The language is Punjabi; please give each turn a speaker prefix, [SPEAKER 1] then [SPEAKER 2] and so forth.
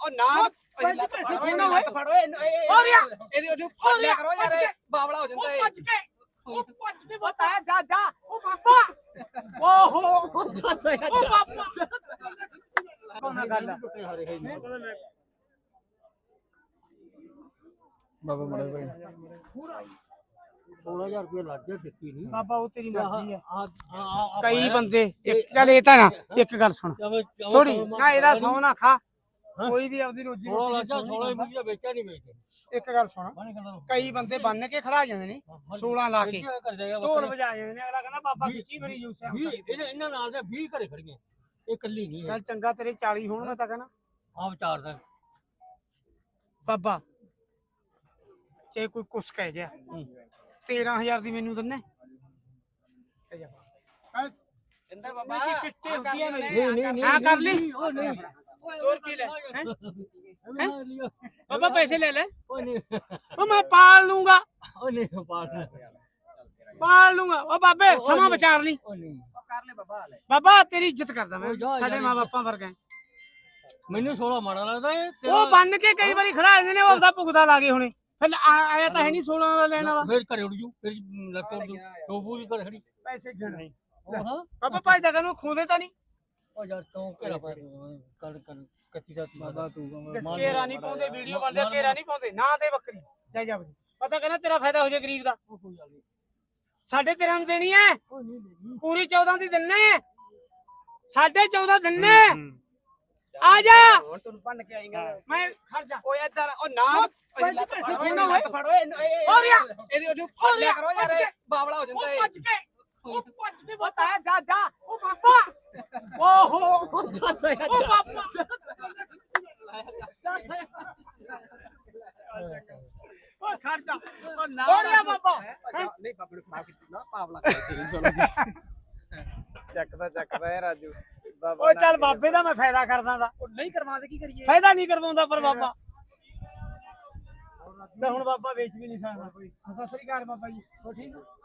[SPEAKER 1] ਉਹ ਨਾ
[SPEAKER 2] ਪੈਸੇ ਦੇਣਾ ਓਏ
[SPEAKER 1] ਫੜੋ ਇਹਨੂੰ ਫੜਿਆ ਕਰੋ ਯਾਰ ਬਾਵਲਾ ਹੋ ਜਾਂਦਾ ਏ
[SPEAKER 2] ਉਹ ਭੱਜ ਕੇ ਬਤਾ ਜਾ ਉਹ ਬਾਬਾ ਓਹੋ
[SPEAKER 1] ਜਾਂਦਾ
[SPEAKER 2] ਉਹ ਬਾਬਾ ਕੋਨਾ ਗੱਲ
[SPEAKER 3] ਬਾਬਾ ਮੜਾ ਭਾਈ 16000 ਰੁਪਏ ਲੱਗ ਗਿਆ ਦਿੱਤੀ ਨਹੀਂ
[SPEAKER 2] ਬਾਬਾ ਉਹ ਤੇਰੀ ਮਰਜ਼ੀ ਹੈ
[SPEAKER 3] ਆ
[SPEAKER 2] ਕਈ ਬੰਦੇ ਚੱਲ ਇਹ ਤਾਂ ਨਾ ਇੱਕ ਗੱਲ ਸੁਣ ਥੋੜੀ ਨਾ ਇਹਦਾ ਸੌ ਨਾ ਖਾ ਕੋਈ ਵੀ ਆਪਦੀ ਰੋਜੀ
[SPEAKER 3] 16 ਲੱਗਾ 16 ਰੁਪਏ ਵੇਚਿਆ ਨਹੀਂ ਵੇਚਦੇ
[SPEAKER 2] ਇੱਕ ਗੱਲ ਸੁਣ ਕਈ ਬੰਦੇ ਬੰਨ ਕੇ ਖੜਾ ਜਾਂਦੇ ਨੇ 16 ਲਾ ਕੇ ਢੋਲ ਵਜਾ ਜਾਂਦੇ ਨੇ ਅਗਲਾ ਕਹਿੰਦਾ ਬਾਬਾ ਖਿੱਚੀ ਮੇਰੀ ਜੂਸ ਹੈ
[SPEAKER 3] ਇਹਨਾਂ ਨਾਲ ਦੇ 20 ਘਰੇ ਖੜੀਆਂ ਇਹ ਇਕੱਲੀ ਨਹੀਂ
[SPEAKER 2] ਚੱਲ ਚੰਗਾ ਤੇਰੇ 40 ਹੋਣ ਮੈਂ ਤਾਂ ਕਹਿੰਦਾ
[SPEAKER 3] ਆ ਵਿਚਾਰ ਦਾ
[SPEAKER 2] ਬਾਬਾ ਜੇ ਕੋਈ ਕੁਛ ਕਹਿ ਗਿਆ 13000 ਦੀ ਮੈਨੂੰ ਦੰਨੇ
[SPEAKER 1] ਕਹਿੰਦਾ ਬਾਬਾ
[SPEAKER 2] ਕਿੱਟੇ ਹੁੰਦੀ ਹੈ
[SPEAKER 3] ਨਹੀਂ
[SPEAKER 2] ਹਾਂ ਕਰ ਲਈ
[SPEAKER 3] ਉਹ ਨਹੀਂ
[SPEAKER 2] ਹੋਰ ਕੀ ਲੈ ਬਾਬਾ ਪੈਸੇ ਲੈ ਲੈ
[SPEAKER 3] ਉਹ ਨਹੀਂ
[SPEAKER 2] ਉਹ ਮੈਂ ਪਾਲ ਲੂੰਗਾ
[SPEAKER 3] ਉਹ ਨਹੀਂ
[SPEAKER 2] ਪਾਲ ਲੂੰਗਾ ਉਹ ਬਾਬੇ ਸਮਾਂ ਵਿਚਾਰ ਲਈ
[SPEAKER 3] ਉਹ ਨਹੀਂ
[SPEAKER 1] ਕਰ ਲੈ ਬਾਬਾ ਲੈ
[SPEAKER 2] ਬਾਬਾ ਤੇਰੀ ਇੱਜ਼ਤ ਕਰਦਾ ਮੈਂ
[SPEAKER 3] ਉਹ ਜਾ
[SPEAKER 2] ਸਾਡੇ
[SPEAKER 3] ਯਾਰ।
[SPEAKER 2] ਮਾਂ ਬਾਪਾਂ ਵਰਗਾ
[SPEAKER 3] ਮੈਨੂੰ 16 ਮਾੜਾ ਲੱਗਦਾ ਇਹ
[SPEAKER 2] ਉਹ ਬੰਨ ਕੇ ਕਈ ਵਾਰੀ ਖੜਾ ਜਾਂਦੇ ਨੇ ਉਹ ਆਪਦਾ ਭੁਗਦਾ ਲਾ ਗਏ ਹੁਣੇ ਫਿਰ ਆਇਆ ਤਾਂ ਹੈ ਨਹੀਂ 16 ਦਾ ਲੈਣ ਵਾਲਾ
[SPEAKER 3] ਫੇਰ ਘਰੇ ਉੱਡ ਜੂ ਫਿਰ ਲੱਗ ਉੱਡ ਜੂ ਟੋਪੂ ਵੀ ਕਰ ਖੜੀ
[SPEAKER 2] ਪੈਸੇ ਗਿਣ
[SPEAKER 3] ਉਹ ਹਾਂ
[SPEAKER 2] ਬਾਬਾ ਭਾਈ ਦਾ ਕਹਿੰਦਾ ਖੋਦੇ ਤਾਂ ਨਹੀਂ
[SPEAKER 3] ਉਹ ਯਾਰ ਤੂੰ ਘੇਰਾ ਪਾ ਕਰ ਕੱਤੀ ਦਾ ਬਾਬਾ ਤੂੰ
[SPEAKER 2] ਘੇਰਾ ਨਹੀਂ ਪਾਉਂਦੇ ਵੀਡੀਓ ਬਣਦੇ ਘੇਰਾ ਨਹੀਂ ਪਾਉਂਦੇ ਨਾ ਤੇ ਬੱਕਰੀ ਜਾ ਜਾ ਪਤਾ ਕਹਿੰਦਾ ਤੇਰਾ ਫਾਇਦਾ ਹੋ ਜਾ ਗਰੀਬ ਦਾ
[SPEAKER 3] ਕੋਈ ਗੱਲ ਨਹੀਂ
[SPEAKER 2] ਸਾਢੇ 13 ਨੂੰ ਦੇਣੀ ਹੈ
[SPEAKER 3] ਉਹ ਨਹੀਂ ਦੇਣੀ
[SPEAKER 2] ਪੂਰੀ 14 ਦੀ ਦਿੰਨੇ ਸਾਢੇ 14 ਦਿੰਨੇ ਆ ਜਾ
[SPEAKER 1] ਹੁਣ ਤੈਨੂੰ ਭੰਨ ਕੇ ਆਏਗਾ
[SPEAKER 2] ਮੈਂ ਖੜ ਜਾ
[SPEAKER 1] ਓਏ ਇੱਧਰ ਉਹ ਨਾ
[SPEAKER 2] ਪੈਸੇ ਦੇਣਾ ਓਏ
[SPEAKER 1] ਫੜੋ ਇਹਨੂੰ ਫੜਿਆ ਕਰੋ ਯਾਰ ਬਾਵਲਾ ਹੋ ਜਾਂਦਾ ਏ
[SPEAKER 2] ਉਹ ਭੱਜ ਕੇ ਬਤਾ ਜਾ ਉਹ ਬਾਬਾ ਓਹੋ
[SPEAKER 1] ਜਾਂਦਾ
[SPEAKER 2] ਉਹ ਬਾਬਾ ਉਹ ਖੜ ਜਾ ਉਹ ਨਾ ਓਰਿਆ ਬਾਬਾ
[SPEAKER 1] ਨਹੀਂ ਬਾਬੇ ਨੂੰ ਖਰਾਬ ਕੀਤੀ ਨਾ ਬਾਵਲਾ ਕਰਕੇ
[SPEAKER 4] ਚੱਕਦਾ ਹੈ ਰਾਜੂ ਬਾਬਾ
[SPEAKER 2] ਓਏ ਚੱਲ ਬਾਬੇ ਦਾ ਮੈਂ ਫਾਇਦਾ ਕਰਦਾ ਦਾ
[SPEAKER 1] ਉਹ ਨਹੀਂ ਕਰਵਾਉਂਦੇ ਕੀ ਕਰੀਏ
[SPEAKER 2] ਫਾਇਦਾ ਨਹੀਂ ਕਰਵਾਉਂਦਾ ਪਰ ਬਾਬਾ ਮੈਂ ਹੁਣ ਬਾਬਾ ਵੇਚ ਵੀ ਨਹੀਂ ਸਕਦਾ ਕੋਈ ਸਤਿ ਸ੍ਰੀ ਅਕਾਲ ਬਾਬਾ ਜੀ ਹੋ ਠੀਕ ਹੋ